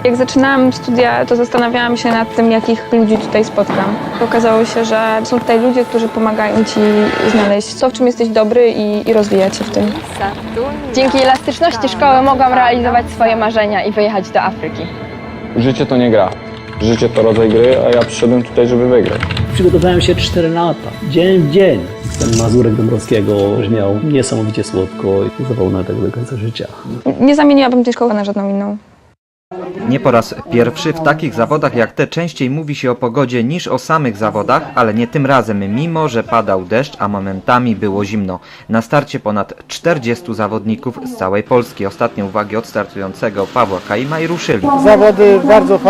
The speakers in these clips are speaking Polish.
Jak zaczynałam studia, to zastanawiałam się nad tym, jakich ludzi tutaj spotkam. Okazało się, że są tutaj ludzie, którzy pomagają ci znaleźć to, w czym jesteś dobry i rozwijać się w tym. Dzięki elastyczności szkoły mogłam realizować swoje marzenia i wyjechać do Afryki. Życie to nie gra. Życie to rodzaj gry, a ja przyszedłem tutaj, żeby wygrać. Przygotowałem się 4 lata, dzień w dzień. Ten Mazurek Dąbrowskiego brzmiał niesamowicie słodko i zapomnę tego do końca życia. Nie zamieniłabym tej szkoły na żadną inną. Nie po raz pierwszy w takich zawodach jak te częściej mówi się o pogodzie niż o samych zawodach, ale nie tym razem, mimo że padał deszcz, a momentami było zimno. Na starcie ponad 40 zawodników z całej Polski. Ostatnie uwagi od startującego Pawła Kaima i ruszyli. Zawody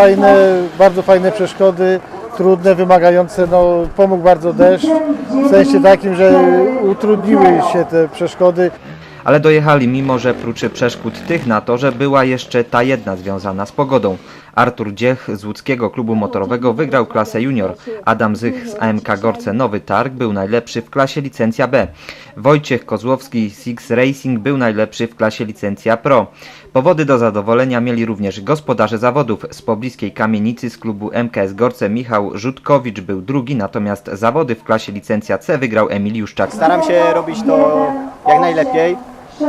bardzo fajne przeszkody, trudne, wymagające. Pomógł bardzo deszcz, w sensie takim, że utrudniły się te przeszkody. Ale dojechali, mimo że prócz przeszkód tych na torze była jeszcze ta jedna związana z pogodą. Artur Dziech z łódzkiego klubu motorowego wygrał klasę junior. Adam Zych z AMK Gorce Nowy Targ był najlepszy w klasie licencja B. Wojciech Kozłowski z Six Racing był najlepszy w klasie licencja Pro. Powody do zadowolenia mieli również gospodarze zawodów. Z pobliskiej Kamienicy z klubu MKS Gorce Michał Rzutkowicz był drugi, natomiast zawody w klasie licencja C wygrał Emil Juszczak. Staram się robić to jak najlepiej.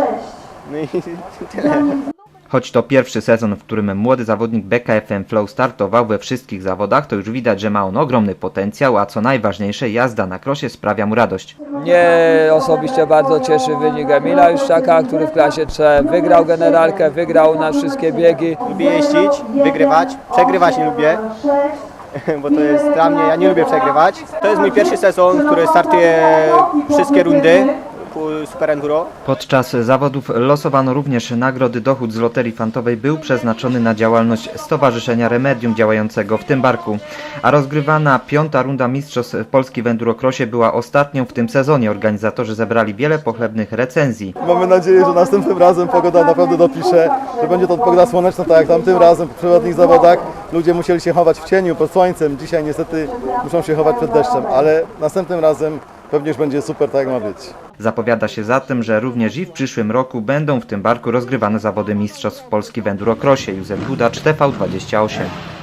No i tyle. Choć to pierwszy sezon, w którym młody zawodnik BKFM Flow startował we wszystkich zawodach, to już widać, że ma on ogromny potencjał, a co najważniejsze, jazda na krosie sprawia mu radość. Mnie osobiście bardzo cieszy wynik Emila Juszczaka, który w klasie C wygrał generalkę, wygrał na wszystkie biegi. Lubię jeździć, wygrywać, przegrywać nie lubię, bo to jest dla mnie, ja nie lubię przegrywać. To jest mój pierwszy sezon, w którym startuję wszystkie rundy Super Enduro. Podczas zawodów losowano również nagrody. Dochód z loterii fantowej był przeznaczony na działalność Stowarzyszenia Remedium działającego w tym barku. A rozgrywana 5. runda Mistrzostw Polski w Endurocrossie była ostatnią w tym sezonie. Organizatorzy zebrali wiele pochlebnych recenzji. Mamy nadzieję, że następnym razem pogoda naprawdę dopisze, że będzie to pogoda słoneczna, tak jak tamtym razem w przewodnich zawodach. Ludzie musieli się chować w cieniu, pod słońcem. Dzisiaj niestety muszą się chować przed deszczem, ale następnym razem pewnie już będzie super, tak jak ma być. Zapowiada się zatem, że również i w przyszłym roku będą w tym barku rozgrywane zawody Mistrzostw Polski w Endurocrossie. Józef Budacz, TV28.